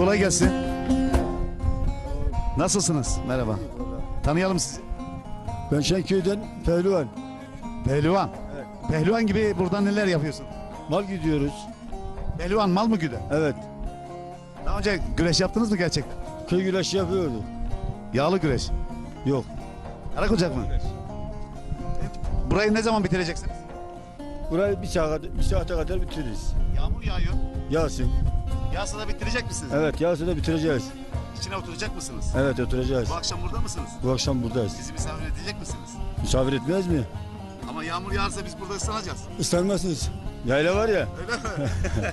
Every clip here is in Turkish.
Kolay gelsin. Nasılsınız? Merhaba. Tanıyalım sizi. Ben Şenköy'den Pehlivan. Pehlivan. Evet. Pehlivan gibi burada neler yapıyorsun? Mal gidiyoruz. Pehlivan mal mı güder? Evet. Daha önce güreş yaptınız mı gerçekten? Köy güreşi yapıyordu. Yağlı güreş. Yok. Karakocak mı? Burayı ne zaman bitireceksiniz? Burayı bir saate kadar bitiririz. Yağmur yağıyor. Yağsın. Yağsa da bitirecek misiniz? Evet, yağsa da bitireceğiz. İçine oturacak mısınız? Evet, oturacağız. Bu akşam burada mısınız? Bu akşam buradayız. Bizi misafir edecek misiniz? Misafir etmez mi? Ama yağmur yağarsa biz burada ıslanacağız. Islanmazsınız. Yayla var ya. Öyle mi?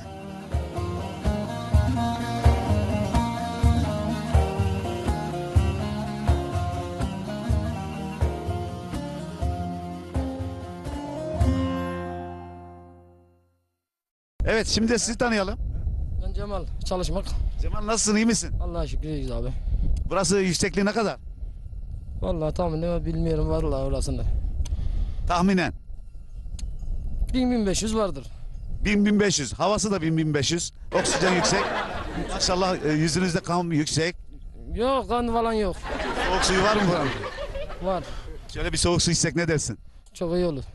Evet, şimdi de sizi tanıyalım. Ben Cemal, çalışmak. Cemal, nasılsın, iyi misin? Allah'a şükür iyiyiz abi. Burası yüksekliği ne kadar? Vallahi tahmin bilmiyorum vallahi orasında. Tahminen. 1500 vardır. 1000-1500. Havası da 1000-1500. Oksijen yüksek. Maşallah yüzünüzde kan yüksek. Yok kan falan yok. Soğuk suyu var mı buranın? Var. Şöyle bir soğuk su içsek ne dersin? Çok iyi olur.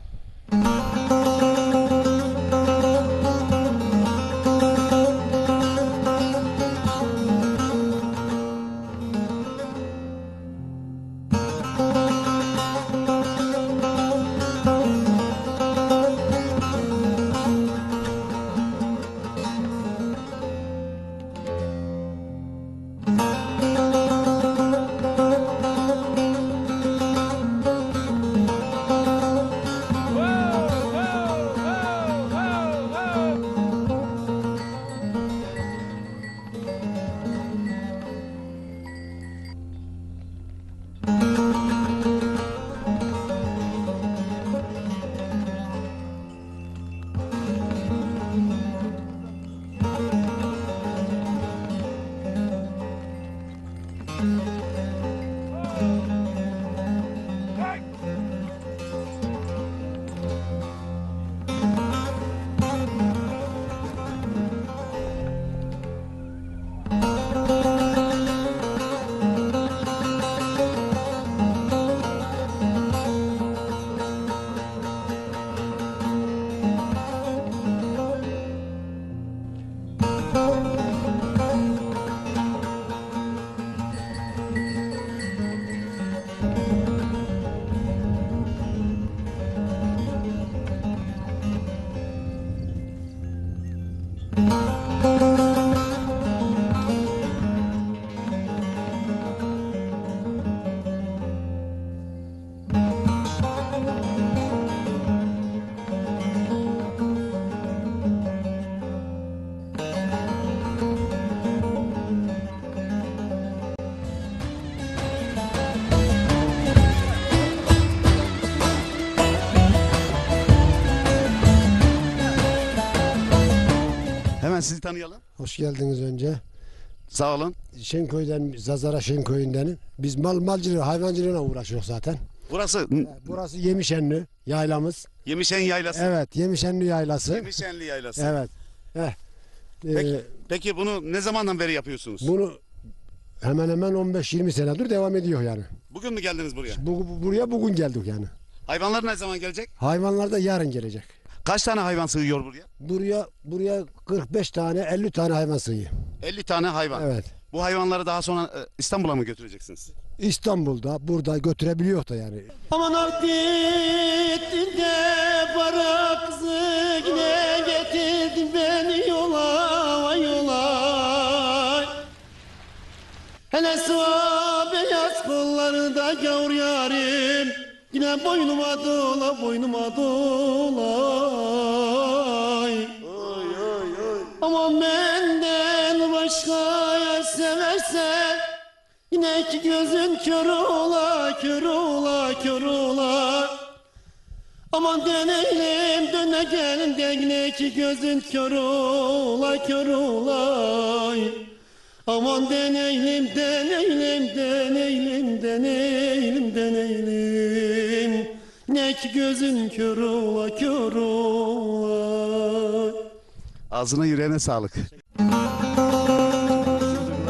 Hemen sizi tanıyalım. Hoş geldiniz önce. Sağ olun. Şenköy'den, Zazara Şenköy'ündenim. Biz malcılığı, hayvancılığına uğraşıyoruz zaten. Burası Burası Yemişenli yaylamız. Yemişen Yaylası. Evet, Yemişenli yaylası. Yemişenli Yaylası. Evet. Peki bunu ne zamandan beri yapıyorsunuz? Bunu hemen hemen 15-20 senedir devam ediyor yani. Bugün mü geldiniz buraya? Buraya bugün geldik yani. Hayvanlar ne zaman gelecek? Hayvanlar da yarın gelecek. Kaç tane hayvan sığıyor buraya? Buraya 45 tane 50 tane hayvan sığıyor. 50 tane hayvan. Evet. Bu hayvanları daha sonra İstanbul'a mı götüreceksiniz? İstanbul'da burada götürebiliyor da yani. Aman akdin de para kızı yine getirdin beni yola vay yola. Hele sıva beyaz kolları da gavur yarim. Yine boynuma dola boynuma dolay. Aman benden başka yer seversen yine iki gözün kör ola, kör ola, kör ola. Aman dönelim, döne gelin de yine iki gözün kör ola, kör ola. Aman deneyelim, deneyelim, deneyelim, deneyelim, deneyelim. Ne iki gözün kör ola, kör ola. Ağzına yüreğine sağlık.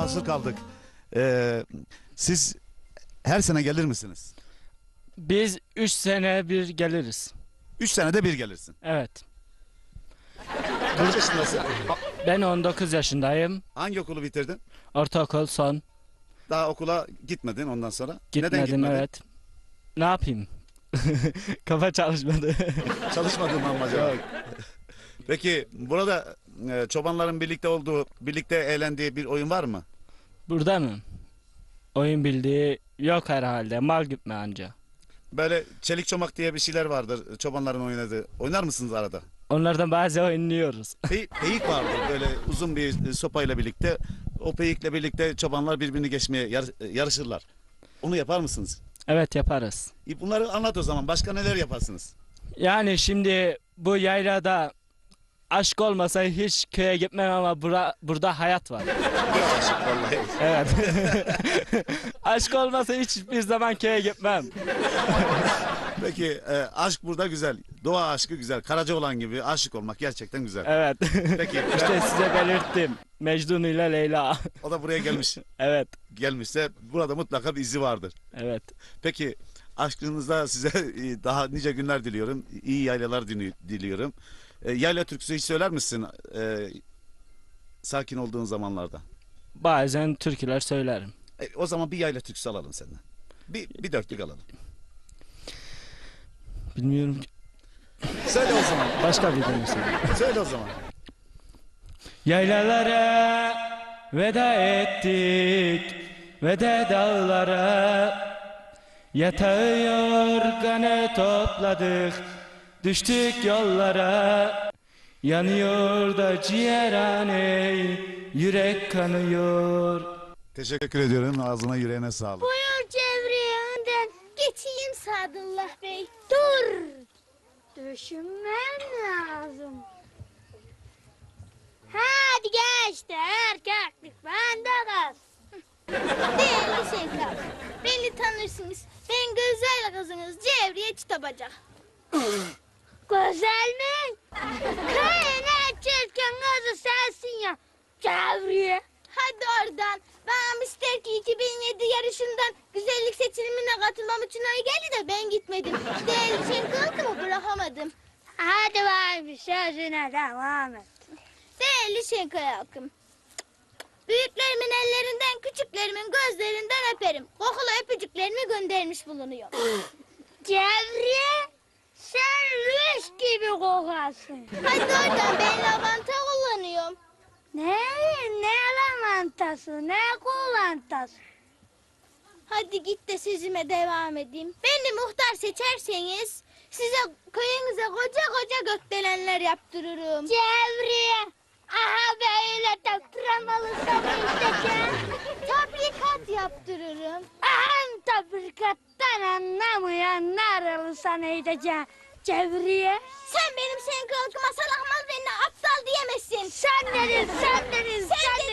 mahsur kaldık. Siz her sene gelir misiniz? Biz 3 sene bir geliriz. 3 senede bir gelirsin. Evet. Kaç yaşındasın? Ben 19 yaşındayım. Hangi okulu bitirdin? Ortaokul son. Daha okula gitmedin ondan sonra. Neden Gitmedim, gitmedin? evet. Ne yapayım? Kafa çalışmadı. Çalışmadın mı acaba? Peki burada çobanların birlikte olduğu, birlikte eğlendiği bir oyun var mı? Burada mı? Oyun bildiği yok herhalde. Mal gütme anca. Böyle çelik çomak diye bir şeyler vardır çobanların oynadığı. Oynar mısınız arada? Onlardan bazı oynuyoruz. Peyik vardır böyle uzun bir sopayla birlikte. O peyikle birlikte çobanlar birbirini geçmeye yarışırlar. Onu yapar mısınız? Evet, yaparız. Bunları anlat o zaman. Başka neler yaparsınız? Yani şimdi bu yaylada aşk olmasa hiç köye gitmem ama burada hayat var. Vallahi. Evet. Aşk olmasa hiçbir zaman köye gitmem. Peki aşk burada güzel. Doğa aşkı güzel. Karacaoğlan gibi aşık olmak gerçekten güzel. Evet. Peki İşte size belirttim. Mecnun ile Leyla. o da buraya gelmiş. Evet. Gelmişse burada mutlaka bir izi vardır. Evet. Peki aşkınızda size daha nice günler diliyorum. İyi yaylalar diliyorum. Yayla türküsü hiç söyler misin? Sakin olduğun zamanlarda. Bazen türküler söylerim. O zaman bir yayla türküsü alalım senden. Bir dörtlük alalım. Bilmiyorum ki. Söyle o zaman. Başka bir tane söyle. Söyle o zaman. Yaylalara veda ettik ve de dağlara yatağı yorganı topladık, düştük yollara. Yanıyor da ciğerhane, yürek kanıyor. Teşekkür ediyorum. Ağzına yüreğine sağlık. Buyur Cevriye önden. Geçeyim Sadullah Bey. Dur. Düşünmem lazım. Hadi geçti erkeklik bende kalsın. Değerli Şenkal, beni tanırsınız. Ben güzel kızınız Cevriye Çıtabacak. Güzel mi? Köyün en çirkin kızı sensin ya. Cevriye. Hadi oradan. Bana ister ki 2007 yarışından güzellik seçilimine katılmam için oy geldi de ben gitmedim. Değerli Şenkal'ımı bırakamadım. Hadi varmış sözüne devam et. Değerli Şenkal halkım. Büyüklerimin ellerinden, küçüklerimin gözlerinden öperim. Kokulu öpücüklerimi göndermiş bulunuyor. Cevriye, sen rüş gibi kokarsın. Hadi oradan ben lavanta kullanıyorum. Ne lavantası, ne kulantası? Hadi git de sözüme devam edeyim. Beni muhtar seçerseniz size köyünüze koca koca gökdelenler yaptırırım. Cevriye, aha böyle taktıramalı sana isteyeceğim. Tabrikat yaptırırım. Aha tabrikattan anlamayanlar sana edeceğim. Cevriye. Sen benim Şenkal'ıma salak mal beni aptal diyemezsin. Sen dedin. Sen